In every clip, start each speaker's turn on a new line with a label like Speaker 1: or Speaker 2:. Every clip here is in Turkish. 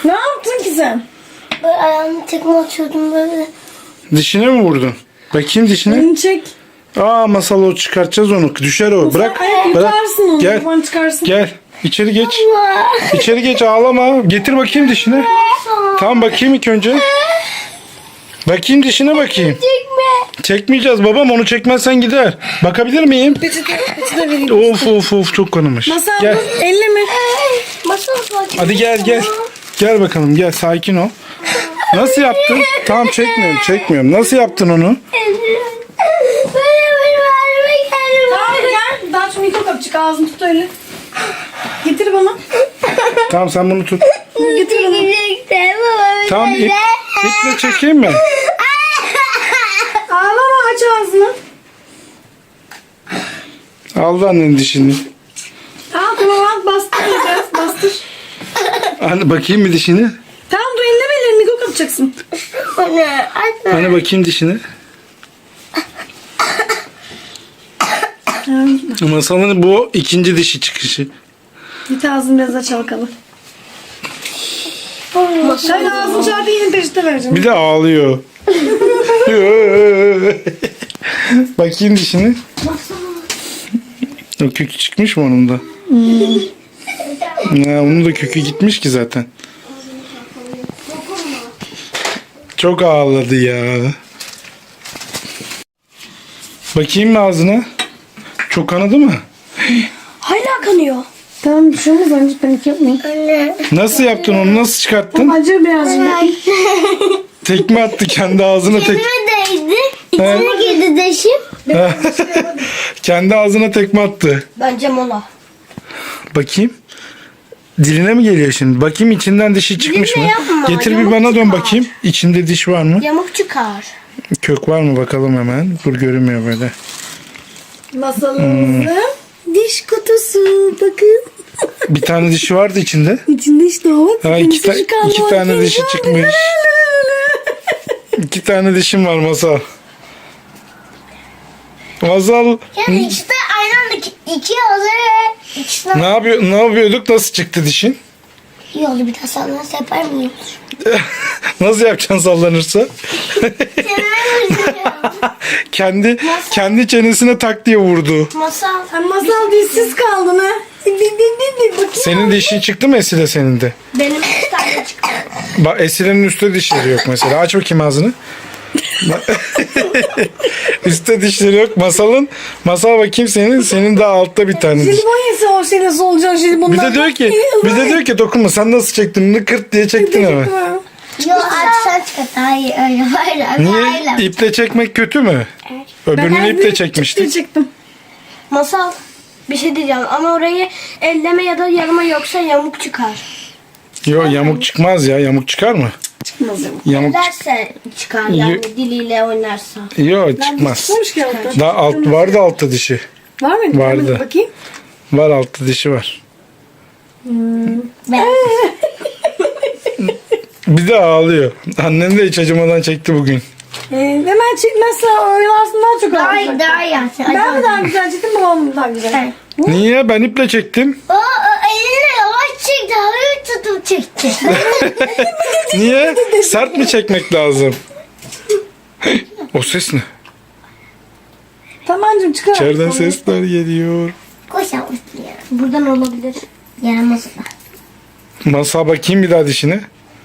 Speaker 1: Ne yaptın ki sen?
Speaker 2: Böyle ayağımı tekme atıyordum böyle.
Speaker 3: Dişine mi vurdun? Bakayım dişine.
Speaker 1: Elini çek.
Speaker 3: Aa Masal, o çıkartacağız onu. Düşer o. Bırak.
Speaker 1: Ayak
Speaker 3: Bırak.
Speaker 1: yutarsın onu.
Speaker 3: Gel.
Speaker 1: Kafanı çıkarsın.
Speaker 3: Gel. İçeri geç. İçeri geç, ağlama. Getir bakayım dişine. Tamam, bakayım ilk önce. Bakayım dişine bakayım.
Speaker 2: Çekme.
Speaker 3: Çekmeyeceğiz babam, onu çekmezsen gider. Bakabilir miyim?
Speaker 1: Peçete vereyim.
Speaker 3: Of çok kanamış.
Speaker 1: Masal
Speaker 3: Gel.
Speaker 1: dur. Elleme.
Speaker 2: Masal sakin.
Speaker 3: Hadi gel. Gel bakalım, gel, sakin ol. Nasıl yaptın? Tamam, çekmiyorum. Nasıl yaptın onu?
Speaker 2: Böyle halime geldim.
Speaker 1: Tamam gel. Daha şu mikrofonu çık. Ağzını tut öyle. Getir bana.
Speaker 3: Tamam, sen bunu tut.
Speaker 1: Getir bana.
Speaker 3: Tamam, iple çekeyim mi?
Speaker 1: Ağlama, aç ağzını.
Speaker 3: Aldı annenin dişini.
Speaker 1: Tamam bastır biraz. Bastır.
Speaker 3: Anne, bakayım bir dişini.
Speaker 1: Tamam dur, elleme ellerini. Mikrofon kapacaksın.
Speaker 2: Anne, anne.
Speaker 3: Anne, bakayım dişini. Masalın bu ikinci dişi çıkışı.
Speaker 1: Git ağzını biraz aç bakalım. Sen ağzını çarpı yeni peçete vereceğim.
Speaker 3: Bir de ağlıyor. Bakayım dişini. O kökü çıkmış mı onun da? Ya, onun da kökü gitmiş ki zaten. Çok ağladı ya. Bakayım mı ağzına? Çok kanadı mı?
Speaker 2: Hala kanıyor.
Speaker 1: Tamam bir şey olmaz, önce panik yapmayın.
Speaker 2: Anne.
Speaker 3: Nasıl yaptın onu? Nasıl çıkarttın?
Speaker 1: Acır birazcık.
Speaker 3: Tekme attı kendi ağzına
Speaker 2: Elime değdi. İçine girdi deşim.
Speaker 3: Kendi ağzına tekme attı.
Speaker 2: Bence mola.
Speaker 3: Bakayım. Diline mi geliyor şimdi? Bakayım içinden dişi çıkmış mı?
Speaker 2: Diline yapma,
Speaker 3: Getir bir
Speaker 2: yamuk
Speaker 3: bana dön
Speaker 2: çıkar.
Speaker 3: bakayım. İçinde diş var mı?
Speaker 2: Yamuk çıkar.
Speaker 3: Kök var mı bakalım hemen. Dur, görünmüyor böyle.
Speaker 1: Masalımızın diş kutusu. Bakın.
Speaker 3: Bir tane dişi vardı içinde.
Speaker 1: İçinde işte o.
Speaker 3: Ha, iki tane dişi çıkmış. 2 tane dişim var Masal. Masal,
Speaker 2: Yani ikisi de aynı anda iki oluyor. İkisi
Speaker 3: ne yapıyorduk? Nasıl çıktı dişin?
Speaker 2: iyi oldu, bir daha sana yapar mıyım?
Speaker 3: Nasıl yapacaksın sallanırsa? kendi çenesine tak diye vurdu.
Speaker 2: Masal.
Speaker 1: Sen masal dişsiz kaldın ha. Bakayım.
Speaker 3: Senin dişin çıktı mı Esile, senin de?
Speaker 2: Benim iki tane çıktı.
Speaker 3: Bak, Esile'nin üstte dişleri yok mesela. Aç bakayım ağzını. Üstte dişleri yok. Masal bakayım senin daha altta bir tane diş.
Speaker 1: Jelibon yese o şeyle solucan jelibonlar.
Speaker 3: Bir de diyor ki dokunma, sen nasıl çektin? Bunu kırt diye çektin hemen.
Speaker 2: Yok artık sen çıkart. Hayır öyle böyle.
Speaker 3: Niye? İple çekmek kötü mü? Öbürünü iple çekmiştik.
Speaker 1: Çektim.
Speaker 2: Masal, bir şey diyeceğim ama orayı elleme ya da yarma, yoksa yamuk çıkar.
Speaker 3: Yok, yamuk çıkmaz ya. Yamuk çıkar mı?
Speaker 1: Çıkmaz ya.
Speaker 3: Yamuk
Speaker 2: Derse çıkar yani, diliyle oynarsa.
Speaker 3: Yok, çıkmaz.
Speaker 1: Çıkmamış ki altta.
Speaker 3: Daha vardı altta dişi.
Speaker 1: Var mıydı?
Speaker 3: Vardı.
Speaker 1: Hemen bakayım.
Speaker 3: Var, altta dişi var.
Speaker 2: Ben
Speaker 3: Bir de ağlıyor. Annen de hiç acımadan çekti bugün.
Speaker 1: Hemen çekmezse oyalarsın, daha çok ağlayacak.
Speaker 2: daha iyi.
Speaker 1: Ben mi daha güzel çektim, babam mı daha güzel?
Speaker 3: Niye? Ben iple çektim.
Speaker 2: O eline yavaş çekti. Hafif tutup çekti.
Speaker 3: Niye? Sert mi çekmek lazım? O ses ne?
Speaker 1: Tamancım çıkar.
Speaker 3: İçeriden sesler geliyor.
Speaker 2: Koş yavrum ya. Buradan olabilir. Yaramaz da.
Speaker 3: Masal, bakayım bir daha dişine.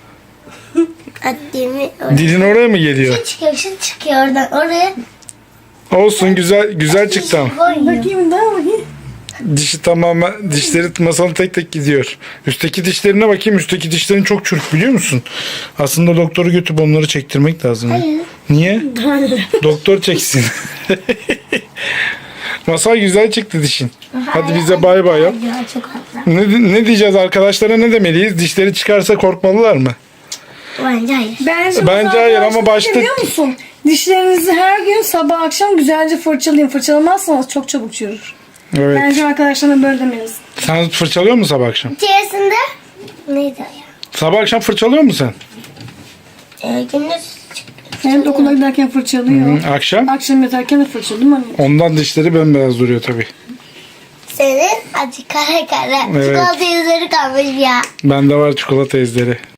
Speaker 2: Ademi
Speaker 3: Dilin oraya mı geliyor?
Speaker 2: çıkıyor oradan oraya.
Speaker 3: Olsun, güzel çıktı ama.
Speaker 1: Bakayım daha bakayım.
Speaker 3: Dişi tamamen, dişleri Masal'ın tek tek gidiyor. Üstteki dişlerine bakayım. Üstteki dişlerin çok çürük, biliyor musun? Aslında doktoru götürüp onları çektirmek lazım.
Speaker 2: Hayır.
Speaker 3: Niye? Doktor çeksin. Masal, güzel çıktı dişin. Hadi bize bay bay yap.
Speaker 2: Ya, çok haklı.
Speaker 3: Ne diyeceğiz arkadaşlara, ne demeliyiz? Dişleri çıkarsa korkmalılar mı?
Speaker 2: Bence hayır.
Speaker 3: Bence hayır ama başta-
Speaker 1: Biliyor musun? Dişlerinizi her gün sabah akşam güzelce fırçalayın. Fırçalamazsanız çok çabuk çürür.
Speaker 3: Evet.
Speaker 1: Bence arkadaşlarına böyle demeliyiz.
Speaker 3: Sen fırçalıyor musun sabah akşam?
Speaker 2: İçerisinde neydi o ya?
Speaker 3: Sabah akşam fırçalıyor musun sen?
Speaker 2: Gündüz
Speaker 1: Hem de okula giderken fırçalıyor.
Speaker 3: Akşam?
Speaker 1: Akşam yatarken de fırçalıyor değil mi anne?
Speaker 3: Ondan dişleri bembeyaz duruyor tabii.
Speaker 2: senin acı kara kara.
Speaker 3: Evet.
Speaker 2: Çikolata yüzleri kalmış ya.
Speaker 3: Bende var çikolata izleri.